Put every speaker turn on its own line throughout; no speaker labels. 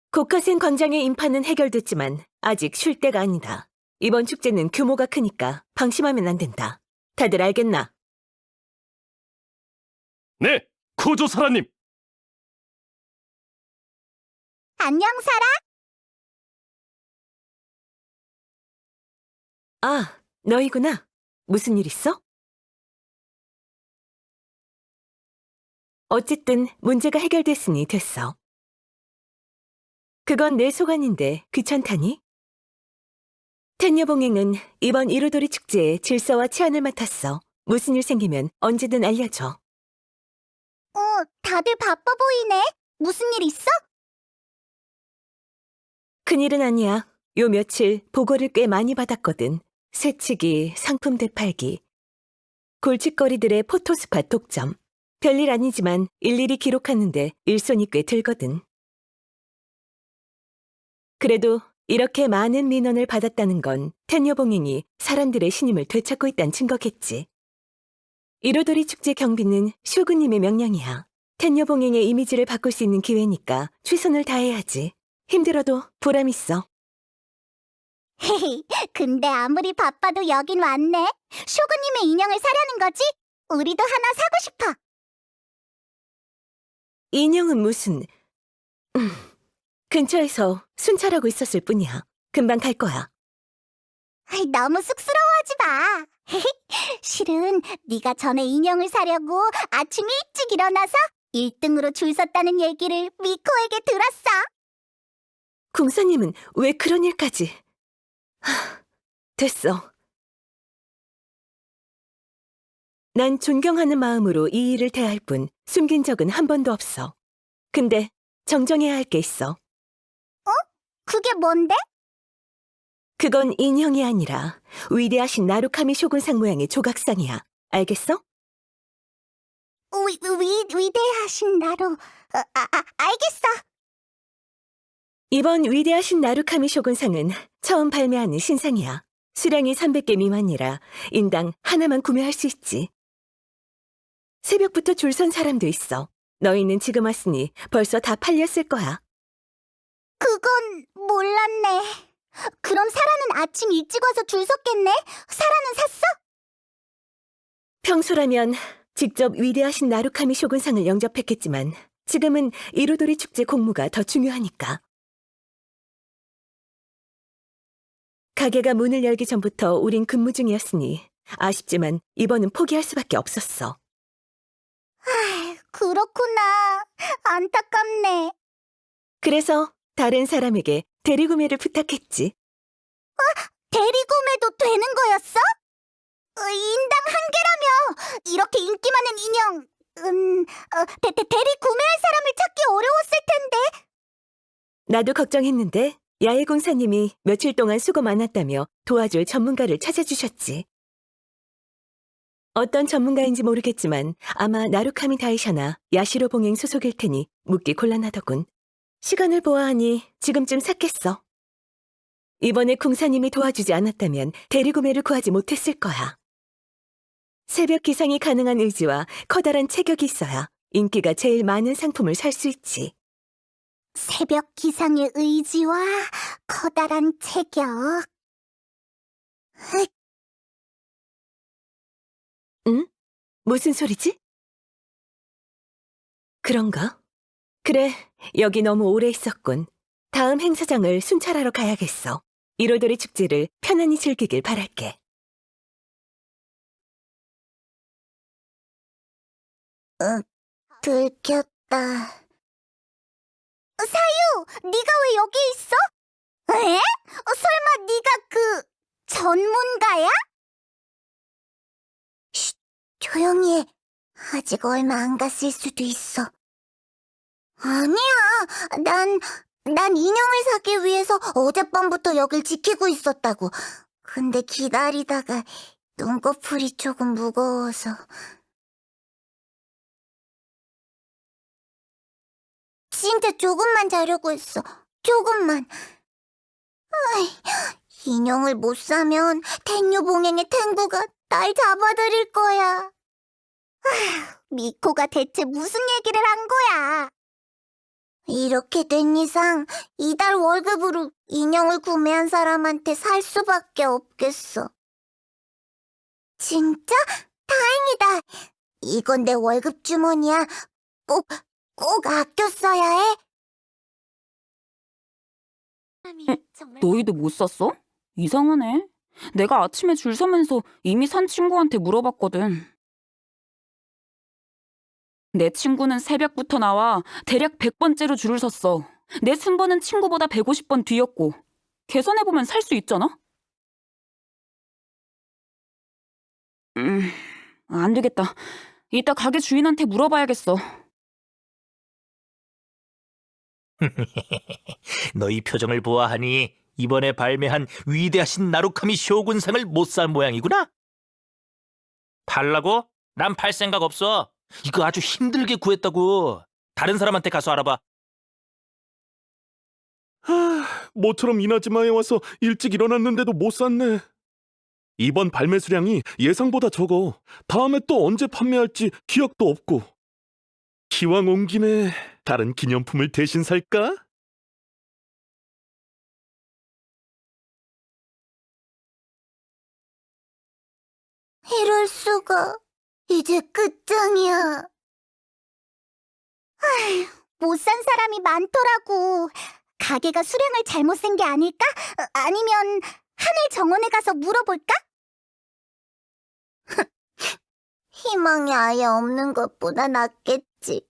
고카센 광장의 인파는 해결됐지만 아직 쉴 때가 아니다. 이번 축제는 규모가 크니까 방심하면 안 된다. 다들 알겠나?
네, 코조사라님.
안녕, 사라.
아, 너희구나. 무슨 일 있어? 어쨌든 문제가 해결됐으니 됐어. 그건 내 소관인데 귀찮다니? 텐녀봉행은 이번 이루도리 축제의 질서와 치안을 맡았어. 무슨 일 생기면 언제든 알려줘.
다들 바빠 보이네. 무슨 일 있어?
큰일은 아니야. 요 며칠 보고를 꽤 많이 받았거든. 새치기, 상품 되팔기, 골칫거리들의 포토스팟 독점. 별일 아니지만 일일이 기록하는데 일손이 꽤 들거든. 그래도 이렇게 많은 민원을 받았다는 건 텐녀봉행이 사람들의 신임을 되찾고 있다는 증거겠지. 이로도리 축제 경비는 쇼군님의 명령이야. 텐녀봉행의 이미지를 바꿀 수 있는 기회니까 최선을 다해야지. 힘들어도 보람 있어.
헤헤, 근데 아무리 바빠도 여긴 왔네. 쇼구님의 인형을 사려는 거지? 우리도 하나 사고 싶어.
인형은 무슨... 근처에서 순찰하고 있었을 뿐이야. 금방 갈 거야.
너무 쑥스러워하지 마. 실은 네가 전에 인형을 사려고 아침 일찍 일어나서 1등으로 줄 섰다는 얘기를 미코에게 들었어.
궁사님은 왜 그런 일까지... 됐어. 난 존경하는 마음으로 이 일을 대할 뿐 숨긴 적은 한 번도 없어. 근데 정정해야 할 게 있어.
그게 뭔데?
그건 인형이 아니라 위대하신 나루카미 쇼군상 모양의 조각상이야. 알겠어?
위대하신 나로. 알겠어.
이번 위대하신 나루카미 쇼군상은 처음 발매하는 신상이야. 수량이 300개 미만이라 인당 하나만 구매할 수 있지. 새벽부터 줄 선 사람도 있어. 너희는 지금 왔으니 벌써 다 팔렸을 거야.
그건 몰랐네. 그럼 사라는 아침 일찍 와서 줄 섰겠네? 사라는 샀어?
평소라면 직접 위대하신 나루카미 쇼군상을 영접했겠지만 지금은 이루도리 축제 공무가 더 중요하니까. 가게가 문을 열기 전부터 우린 근무 중이었으니 아쉽지만 이번은 포기할 수밖에 없었어.
그렇구나. 안타깝네.
그래서 다른 사람에게 대리구매를 부탁했지.
대리구매도 되는 거였어? 인당 한 개라며. 이렇게 인기 많은 인형. 대리구매할 사람을 찾기 어려웠을 텐데.
나도 걱정했는데 야외공사님이 며칠 동안 수고 많았다며 도와줄 전문가를 찾아주셨지. 어떤 전문가인지 모르겠지만 아마 나루카미 다이샤나 야시로 봉행 소속일 테니 묻기 곤란하더군. 시간을 보아하니 지금쯤 샀겠어. 이번에 궁사님이 도와주지 않았다면 대리구매를 구하지 못했을 거야. 새벽 기상이 가능한 의지와 커다란 체격이 있어야 인기가 제일 많은 상품을 살 수 있지.
새벽 기상의 의지와 커다란 체격.
응? 무슨 소리지? 그런가? 그래, 여기 너무 오래 있었군. 다음 행사장을 순찰하러 가야겠어. 이로도리 축제를 편안히 즐기길 바랄게.
들켰다. 사유, 네가 왜 여기 있어? 에? 설마 네가 그 전문가야? 쉿, 조용히 해. 아직 얼마 안 갔을 수도 있어. 아니야, 난 인형을 사기 위해서 어젯밤부터 여길 지키고 있었다고. 근데 기다리다가 눈꺼풀이 조금 무거워서. 진짜 조금만 자려고 했어. 조금만. 인형을 못 사면 텐유봉행의 탱부가 날 잡아들일 거야. 미코가 대체 무슨 얘기를 한 거야? 이렇게 된 이상 이달 월급으로 인형을 구매한 사람한테 살 수밖에 없겠어. 진짜? 다행이다. 이건 내 월급 주머니야. 꼭 아껴 써야 해.
너희도 못 샀어? 이상하네. 내가 아침에 줄 서면서 이미 산 친구한테 물어봤거든. 내 친구는 새벽부터 나와 대략 100번째로 줄을 섰어. 내 순번은 친구보다 150번 뒤였고. 계산해보면 살 수 있잖아? 안 되겠다. 이따 가게 주인한테 물어봐야겠어.
너희 표정을 보아하니 이번에 발매한 위대하신 나루카미 쇼군상을 못 산 모양이구나? 팔라고? 난 팔 생각 없어. 이거 아주 힘들게 구했다고. 다른 사람한테 가서 알아봐.
모처럼 이나즈마에 와서 일찍 일어났는데도 못 샀네. 이번 발매 수량이 예상보다 적어. 다음에 또 언제 판매할지 기억도 없고. 기왕 온 김에 다른 기념품을 대신 살까?
이럴 수가. 이제 끝장이야. 못 산 사람이 많더라고. 가게가 수량을 잘못 센 게 아닐까? 아니면 하늘 정원에 가서 물어볼까? 희망이 아예 없는 것보다 낫겠지.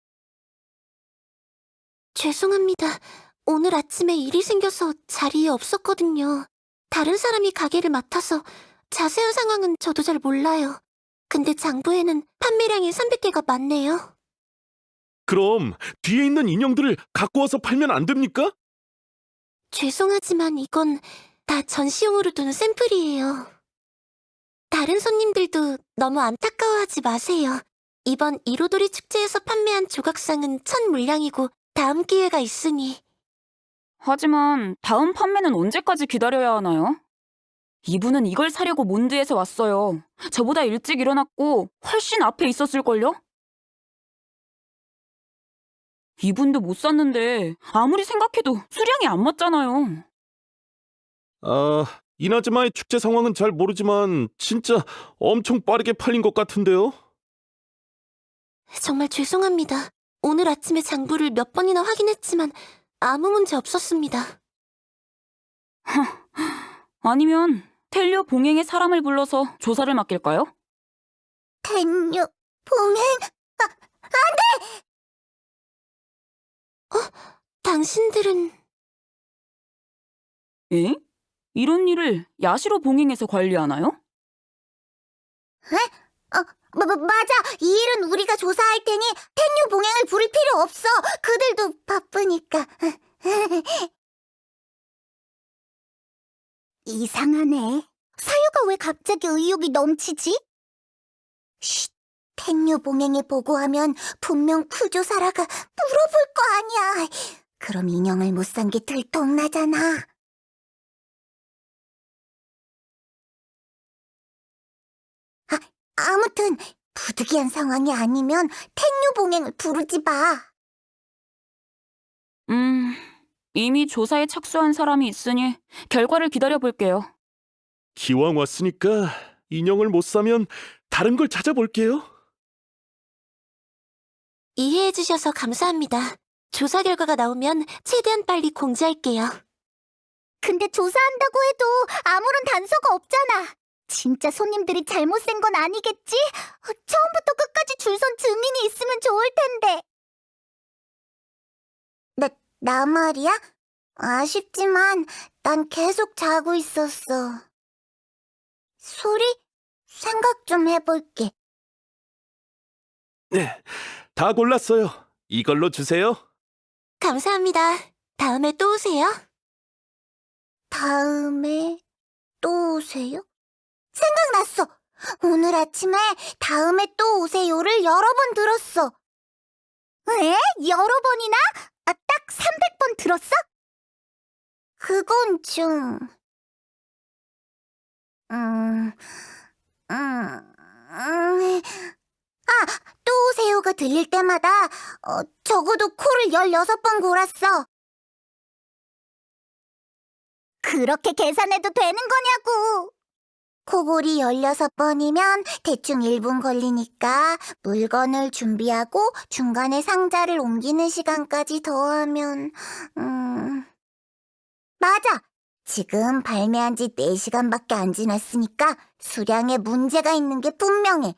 죄송합니다. 오늘 아침에 일이 생겨서 자리에 없었거든요. 다른 사람이 가게를 맡아서 자세한 상황은 저도 잘 몰라요. 근데 장부에는 판매량이 300개가 많네요.
그럼 뒤에 있는 인형들을 갖고 와서 팔면 안 됩니까?
죄송하지만 이건 다 전시용으로 둔 샘플이에요. 다른 손님들도 너무 안타까워하지 마세요. 이번 이로도리 축제에서 판매한 조각상은 첫 물량이고 다음 기회가 있으니.
하지만 다음 판매는 언제까지 기다려야 하나요? 이분은 이걸 사려고 몬드에서 왔어요. 저보다 일찍 일어났고 훨씬 앞에 있었을걸요? 이분도 못 샀는데 아무리 생각해도 수량이 안 맞잖아요.
이나즈마의 축제 상황은 잘 모르지만 진짜 엄청 빠르게 팔린 것 같은데요?
정말 죄송합니다. 오늘 아침에 장부를 몇 번이나 확인했지만 아무 문제 없었습니다.
아니면 텔료 봉행의 사람을 불러서 조사를 맡길까요?
텐유, 봉행,
당신들은
에? 이런 일을 야시로 봉행에서 관리하나요?
맞아. 이 일은 우리가 조사할 테니 텐유 봉행을 부를 필요 없어. 그들도 바쁘니까. 이상하네. 사유가 왜 갑자기 의욕이 넘치지? 쉿, 텐유 봉행에 보고하면 분명 쿠조사라가 물어볼 거 아니야. 그럼 인형을 못 산 게 들통나잖아. 아무튼 부득이한 상황이 아니면 텐유 봉행을 부르지 마.
이미 조사에 착수한 사람이 있으니 결과를 기다려볼게요.
기왕 왔으니까 인형을 못 사면 다른 걸 찾아볼게요.
이해해주셔서 감사합니다. 조사 결과가 나오면 최대한 빨리 공지할게요.
근데 조사한다고 해도 아무런 단서가 없잖아. 진짜 손님들이 잘못 센 건 아니겠지? 처음부터 끝까지 줄 선 증인이 있으면 좋을 텐데. 나 말이야? 아쉽지만 난 계속 자고 있었어. 소리? 생각 좀 해볼게.
네, 다 골랐어요. 이걸로 주세요.
감사합니다. 다음에 또 오세요.
다음에 또 오세요? 생각났어. 오늘 아침에 다음에 또 오세요를 여러 번 들었어. 에? 여러 번이나? 딱 300번 들었어? 그건 좀... 또 새우가 들릴 때마다 적어도 코를 16번 골았어. 그렇게 계산해도 되는 거냐고. 코골이 16번이면 대충 1분 걸리니까 물건을 준비하고 중간에 상자를 옮기는 시간까지 더하면 맞아. 지금 발매한 지 4시간밖에 안 지났으니까 수량에 문제가 있는 게 분명해.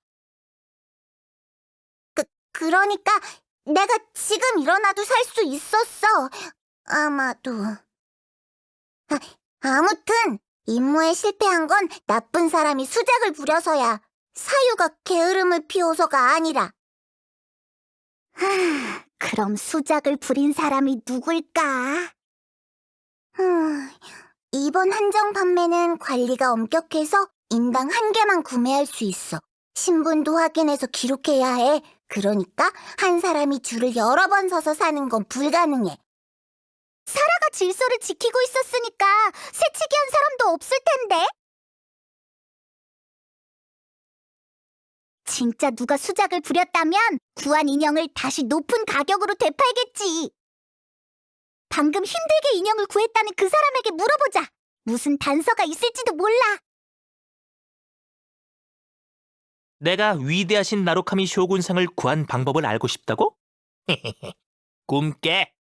그러니까 내가 지금 일어나도 살 수 있었어. 아마도. 아무튼 임무에 실패한 건 나쁜 사람이 수작을 부려서야. 사유가 게으름을 피워서가 아니라. 그럼 수작을 부린 사람이 누굴까? 이번 한정 판매는 관리가 엄격해서 인당 1개만 구매할 수 있어. 신분도 확인해서 기록해야 해. 그러니까 한 사람이 줄을 여러 번 서서 사는 건 불가능해. 사라가 질서를 지키고 있었으니까 새치기 한 사람도 없을 텐데. 진짜 누가 수작을 부렸다면 구한 인형을 다시 높은 가격으로 되팔겠지. 방금 힘들게 인형을 구했다는 그 사람에게 물어보자. 무슨 단서가 있을지도 몰라.
내가 위대하신 나루카미 쇼군상을 구한 방법을 알고 싶다고? 꿈깨.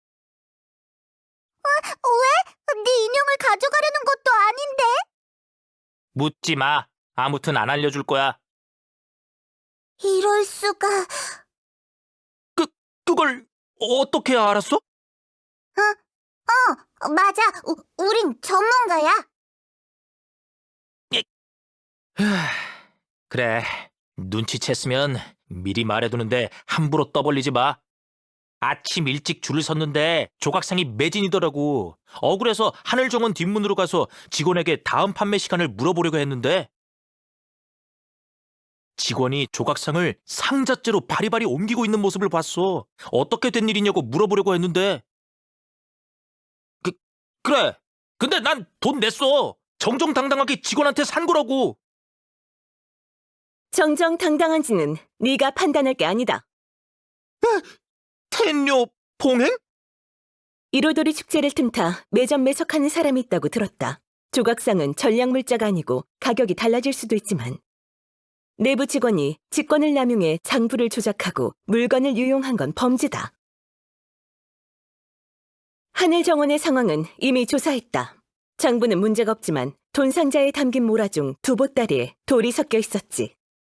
왜? 네 인형을 가져가려는 것도 아닌데.
묻지 마. 아무튼 안 알려줄 거야.
이럴 수가.
그걸 어떻게 알았어?
맞아. 우린 전문가야.
그래. 눈치챘으면 미리 말해두는데 함부로 떠벌리지 마. 아침 일찍 줄을 섰는데 조각상이 매진이더라고. 억울해서 하늘정원 뒷문으로 가서 직원에게 다음 판매 시간을 물어보려고 했는데 직원이 조각상을 상자째로 바리바리 옮기고 있는 모습을 봤어. 어떻게 된 일이냐고 물어보려고 했는데 그래. 근데 난 돈 냈어. 정정당당하게 직원한테 산 거라고.
정정당당한지는 네가 판단할 게 아니다.
텐뇨 봉행?
이로도리 축제를 틈타 매점 매석하는 사람이 있다고 들었다. 조각상은 전략물자가 아니고 가격이 달라질 수도 있지만 내부 직원이 직권을 남용해 장부를 조작하고 물건을 유용한 건 범죄다. 하늘정원의 상황은 이미 조사했다. 장부는 문제가 없지만 돈 상자에 담긴 모라 중 두 보따리에 돌이 섞여 있었지.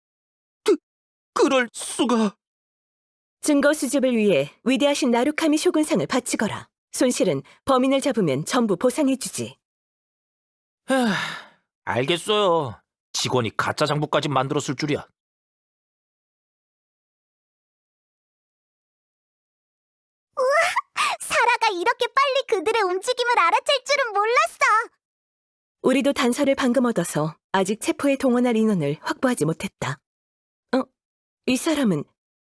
그럴 수가.
증거 수집을 위해 위대하신 나루카미 쇼군상을 바치거라. 손실은 범인을 잡으면 전부 보상해주지.
알겠어요. 직원이 가짜 장부까지 만들었을 줄이야.
사라가 이렇게 빨리 그들의 움직임을 알아챌 줄은 몰랐어.
우리도 단서를 방금 얻어서 아직 체포에 동원할 인원을 확보하지 못했다. 이 사람은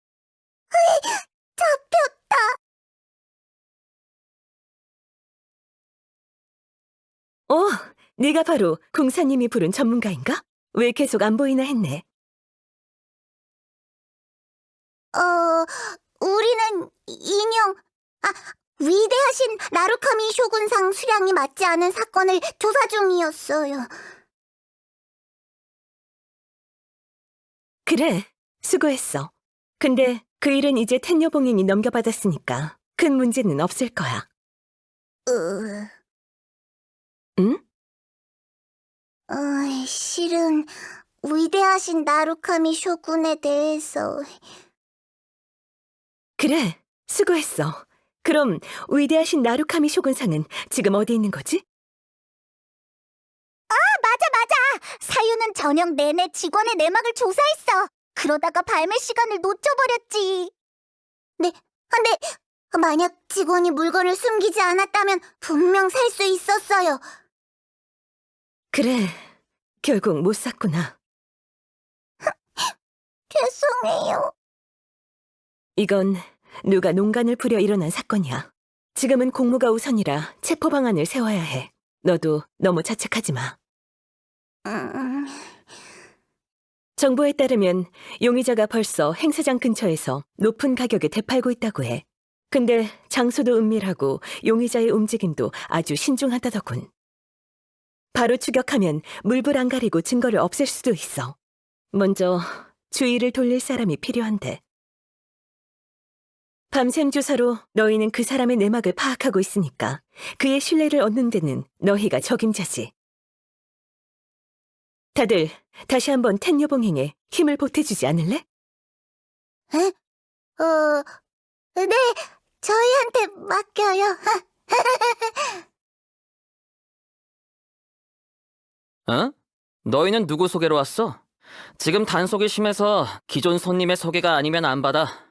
잡혔다.
네가 바로 궁사님이 부른 전문가인가? 왜 계속 안 보이나 했네.
우리는 인형, 위대하신 나루카미 쇼군상 수량이 맞지 않은 사건을 조사 중이었어요.
그래, 수고했어. 근데 그 일은 이제 텐녀봉행이 넘겨받았으니까 큰 문제는 없을 거야. 응?
실은 위대하신 나루카미 쇼군에 대해서.
그래, 수고했어. 그럼 위대하신 나루카미 쇼군상은 지금 어디 있는 거지?
맞아. 사유는 저녁 내내 직원의 내막을 조사했어. 그러다가 발매 시간을 놓쳐버렸지. 네, 만약 직원이 물건을 숨기지 않았다면 분명 살 수 있었어요.
그래, 결국 못 샀구나.
죄송해요.
이건 누가 농간을 부려 일어난 사건이야. 지금은 공무가 우선이라 체포 방안을 세워야 해. 너도 너무 자책하지 마. 정보에 따르면 용의자가 벌써 행사장 근처에서 높은 가격에 되팔고 있다고 해. 근데 장소도 은밀하고 용의자의 움직임도 아주 신중하다더군. 바로 추격하면 물불 안 가리고 증거를 없앨 수도 있어. 먼저 주의를 돌릴 사람이 필요한데. 밤샘 조사로 너희는 그 사람의 내막을 파악하고 있으니까 그의 신뢰를 얻는 데는 너희가 적임자지. 다들 다시 한번 텐녀봉행에 힘을 보태주지 않을래?
네, 저희한테 맡겨요.
어? 너희는 누구 소개로 왔어? 지금 단속이 심해서 기존 손님의 소개가 아니면 안 받아.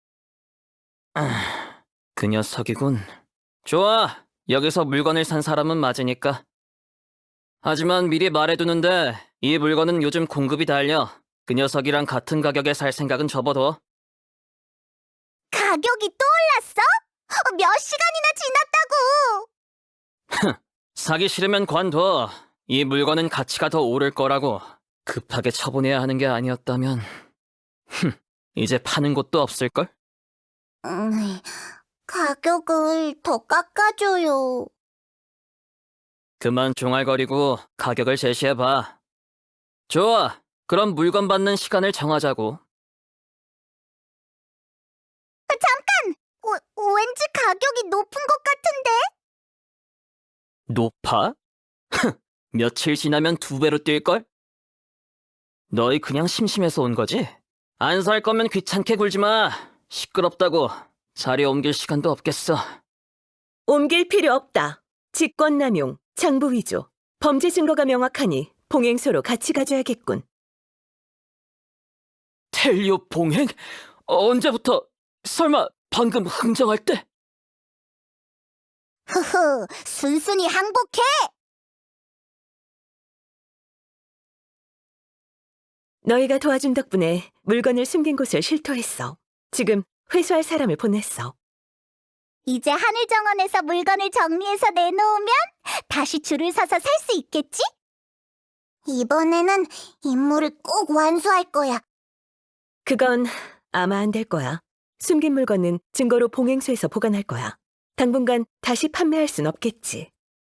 그 녀석이군. 좋아, 여기서 물건을 산 사람은 맞으니까. 하지만 미리 말해두는데 이 물건은 요즘 공급이 달려. 그 녀석이랑 같은 가격에 살 생각은 접어둬.
가격이 또 올랐어? 몇 시간이나 지났다고!
사기 싫으면 관둬. 이 물건은 가치가 더 오를 거라고. 급하게 처분해야 하는 게 아니었다면 이제 파는 곳도 없을걸?
가격을 더 깎아줘요.
그만 종알거리고 가격을 제시해봐. 좋아, 그럼 물건 받는 시간을 정하자고.
왠지 가격이 높은 것 같은데?
높아? 며칠 지나면 2배로 뛸걸? 너희 그냥 심심해서 온 거지? 안 살 거면 귀찮게 굴지 마. 시끄럽다고. 자리 옮길 시간도 없겠어.
옮길 필요 없다. 직권남용, 장부위조, 범죄 증거가 명확하니 봉행소로 같이 가줘야겠군.
텔리오 봉행? 언제부터? 설마 방금 흥정할 때?
흐흐, 순순히 항복해!
너희가 도와준 덕분에 물건을 숨긴 곳을 실토했어. 지금 회수할 사람을 보냈어.
이제 하늘정원에서 물건을 정리해서 내놓으면 다시 줄을 서서 살 수 있겠지? 이번에는 임무를 꼭 완수할 거야.
그건 아마 안 될 거야. 숨긴 물건은 증거로 봉행소에서 보관할 거야. 당분간 다시 판매할 순 없겠지.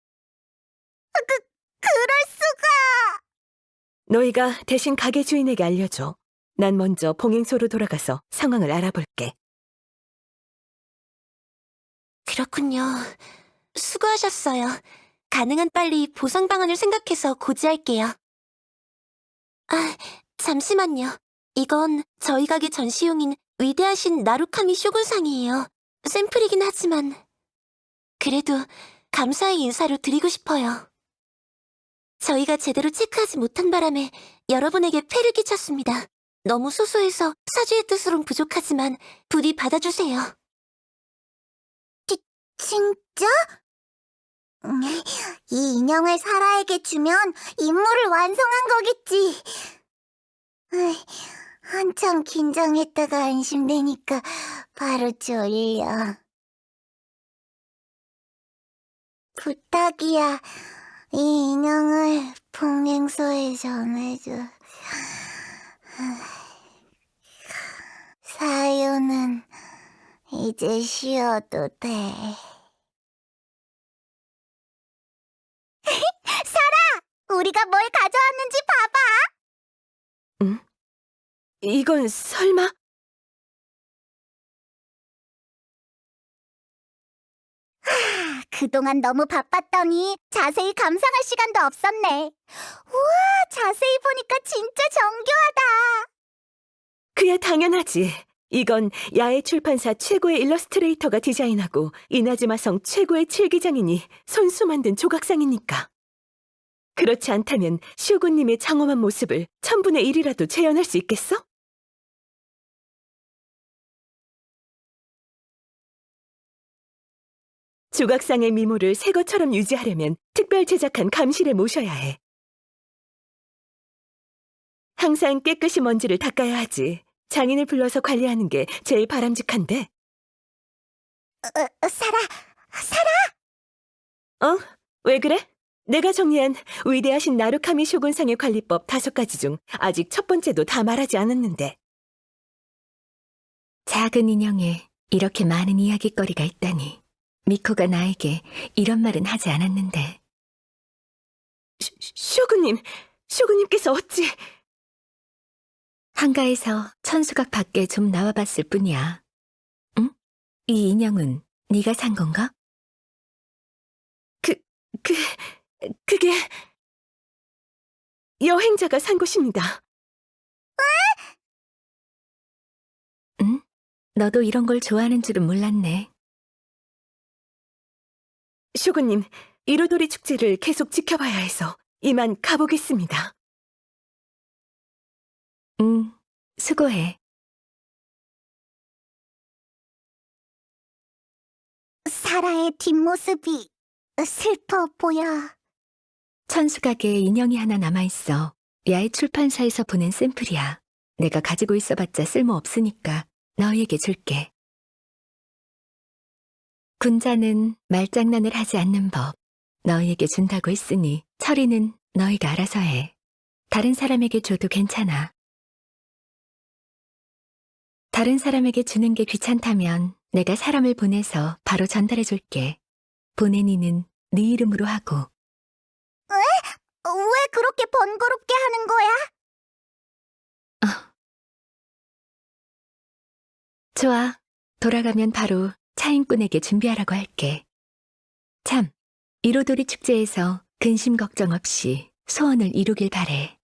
그럴 수가!
너희가 대신 가게 주인에게 알려줘. 난 먼저 봉행소로 돌아가서 상황을 알아볼게.
그렇군요. 수고하셨어요. 가능한 빨리 보상 방안을 생각해서 고지할게요. 아, 잠시만요. 이건 저희 가게 전시용인 위대하신 나루카미 쇼군상이에요. 샘플이긴 하지만 그래도 감사의 인사로 드리고 싶어요. 저희가 제대로 체크하지 못한 바람에 여러분에게 폐를 끼쳤습니다. 너무 소소해서 사주의 뜻으론 부족하지만 부디 받아주세요.
진짜? 이 인형을 사라에게 주면 임무를 완성한 거겠지. 한참 긴장했다가 안심되니까 바로 졸려. 부탁이야. 이 인형을 봉행소에 전해줘. 사유는 이제 쉬어도 돼. 사라! 우리가 뭘 가져왔는지 봐봐!
이건 설마?
그동안 너무 바빴더니 자세히 감상할 시간도 없었네. 우와, 자세히 보니까 진짜 정교하다.
그야 당연하지. 이건 야외 출판사 최고의 일러스트레이터가 디자인하고 이나즈마성 최고의 칠기장인이 손수 만든 조각상이니까. 그렇지 않다면 쇼군님의 장엄한 모습을 1000분의 1이라도 재현할 수 있겠어? 조각상의 미모를 새 것처럼 유지하려면 특별 제작한 감실에 모셔야 해. 항상 깨끗이 먼지를 닦아야 하지. 장인을 불러서 관리하는 게 제일 바람직한데.
사라!
왜 그래? 내가 정리한 위대하신 나루카미 쇼군상의 관리법 5가지 중 아직 첫 번째도 다 말하지 않았는데. 작은 인형에 이렇게 많은 이야깃거리가 있다니. 미코가 나에게 이런 말은 하지 않았는데. 쇼군님께서 어찌... 한가해서 천수각 밖에 좀 나와봤을 뿐이야. 응? 이 인형은 네가 산 건가? 그게... 여행자가 산 것입니다. 응? 너도 이런 걸 좋아하는 줄은 몰랐네. 쇼군님, 이로도리 축제를 계속 지켜봐야 해서 이만 가보겠습니다. 수고해.
사라의 뒷모습이 슬퍼 보여.
천수각에 인형이 하나 남아있어. 야외 출판사에서 보낸 샘플이야. 내가 가지고 있어봤자 쓸모없으니까 너희에게 줄게. 군자는 말장난을 하지 않는 법. 너희에게 준다고 했으니 처리는 너희가 알아서 해. 다른 사람에게 줘도 괜찮아. 다른 사람에게 주는 게 귀찮다면 내가 사람을 보내서 바로 전달해 줄게. 보내니는 네 이름으로 하고.
왜 그렇게 번거롭게 하는 거야?
좋아. 돌아가면 바로 차인꾼에게 준비하라고 할게. 참, 이로도리 축제에서 근심 걱정 없이 소원을 이루길 바래.